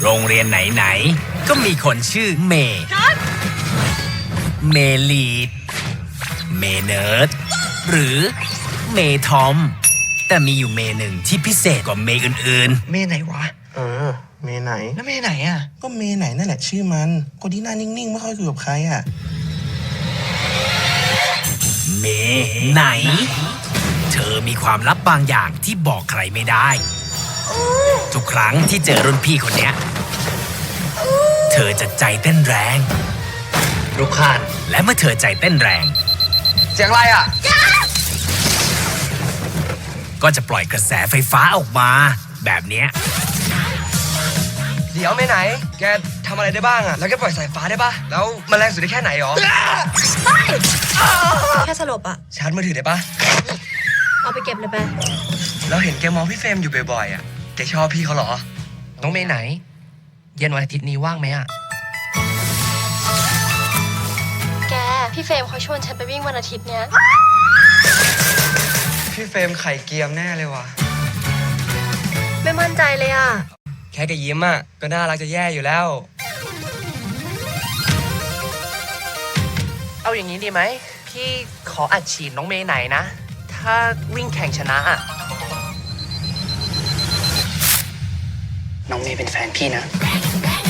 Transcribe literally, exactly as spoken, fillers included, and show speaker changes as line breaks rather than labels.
โรงเรียนไหนๆก็มีคนชื่อเมย์เมลีดเมเนิร์ดหรือเมทอมแต่มีอยู่เมหนึ่งที่พิเศษกว่าเมอื่นๆ
เมไหนวะ
เออ เมไหน
แล้วเมไหนอ่ะ
ก็เมไหนนั่นแหละชื่อมัน คนที่หน้านิ่งๆไม่ค่อยคุยกับใครอ่ะ
เมไหน เธอมีความลับบางอย่างที่บอกใครไม่ได้ ทุกครั้งที่เจอรุ่นพี่คนเนี้ยเธอจะใจเต้นแรงรุกขานและเมื่อเธอใจเต้นแรง
เสียงอะไรอ่ะ
ก็จะปล่อยกระแสไฟฟ้าออกมา แบบเนี้ย
เดี๋ยวเมไหน แกทำอะไรได้บ้างอ่ะ แล้วแกปล่อยสายฟ้าได้ปะแล้วมันแรงสุดได้แค่ไหนหรอ
แค่สลบอะ
ชาร์จมือถือได้ปะ
เอาไปเก็บเลยไป
เราเห็นแกมองพี่เฟรมอยู่บ่อยๆอ่ะ แกชอบพี่เขาเหรอ
น้องเมย์ไหน เย็นวันอาทิตย์นี้ว่างไหมอะ
แก พี่เฟรมเขาชวนฉันไปวิ่งวันอาทิตย์เนี้ย
พี่เฟรมไข่เกียมแน่เลยว่ะ
ไม่มั่นใจเลยอะ
แค่แกยิ้มอ่ะ ก็น่ารักจะแย่อยู่แล้ว
เอาอย่างนี้ดีไหม พี่ขออัดฉีดน้องเมย์ไหนนะ ถ้าวิ่งแข่งชนะอะน้องเมย์เป็นแฟนพี่นะ